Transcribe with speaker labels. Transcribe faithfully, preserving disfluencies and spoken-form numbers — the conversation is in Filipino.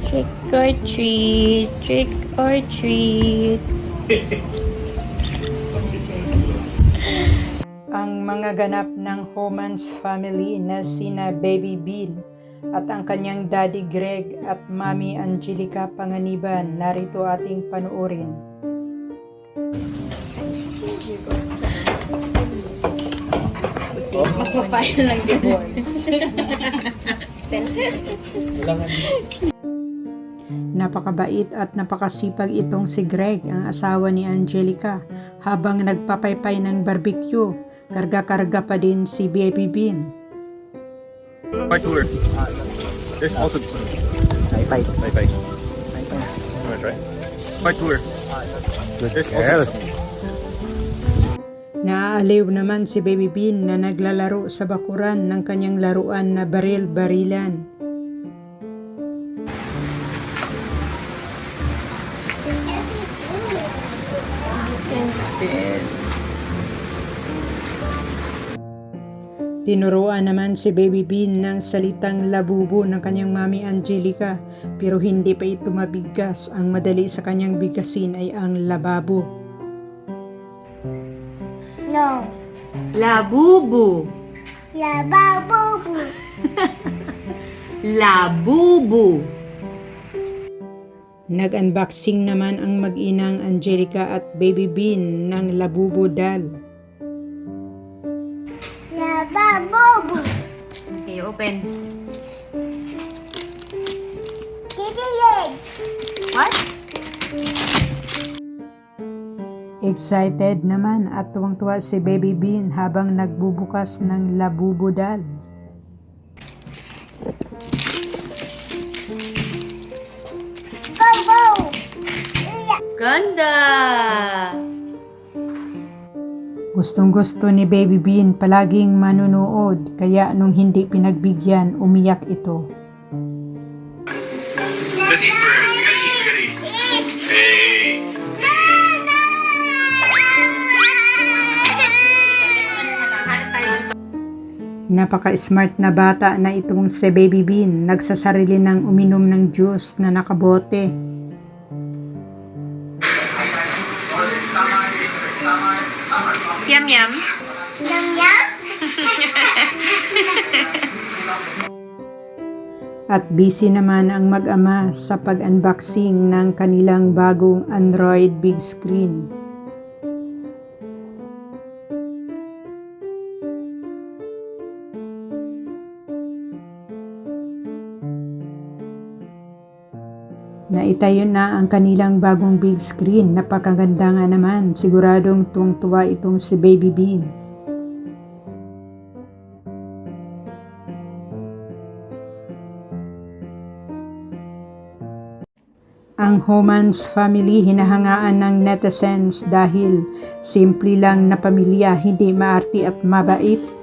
Speaker 1: Trick or treat, trick or treat.
Speaker 2: Ang mga ganap ng Homans family na sina Baby Bean at ang kanyang Daddy Greg at Mami Angelica Panganiban, narito ating panuorin.
Speaker 1: Magpa-file ng divorce.
Speaker 2: Napakabait at napakasipag itong si Greg, ang asawa ni Angelica. Habang nagpapaypay ng barbecue, karga-karga pa din si Baby Bean.
Speaker 3: My tour. There's also this one. Bye bye. Bye bye. You wanna try? My tour. There's also this one.
Speaker 2: Naaaliw naman si Baby Bean na naglalaro sa bakuran ng kanyang laruan na baril-barilan. Tinuruan naman si Baby Bean ng salitang labubo ng kanyang Mami Angelica, pero hindi pa ito mabigas. Ang madali sa kanyang bigasin ay ang lababo.
Speaker 4: No.
Speaker 1: Labubu.
Speaker 4: Lababubu.
Speaker 1: Labubu.
Speaker 2: Nag-unboxing naman ang mag-inang Angelica at Baby Bean ng labubo doll.
Speaker 4: Lababubu.
Speaker 1: Okay, open.
Speaker 4: Kikilig.
Speaker 1: What?
Speaker 2: Excited naman at tuwang-tuwa si Baby Bean habang nagbubukas ng labubo doll.
Speaker 4: Go, go. Iya.
Speaker 1: Ganda!
Speaker 2: Gustong-gusto ni Baby Bean palaging manunood, kaya nung hindi pinagbigyan, umiyak ito.
Speaker 3: Let's eat first. We gotta eat. We gotta eat. Hey.
Speaker 2: Napaka-smart na bata na itong si Baby Bean, nagsasarili ng uminom ng juice na nakabote.
Speaker 1: Yum yum.
Speaker 4: Yum, yum.
Speaker 2: At busy naman ang mag-ama sa pag-unboxing ng kanilang bagong Android big screen. Naitayo na ang kanilang bagong big screen. Napakaganda nga naman. Siguradong tuwang-tuwa itong si Baby Bean. Ang Homans family hinahangaan ng netizens dahil simple lang na pamilya, hindi maarti at mabait.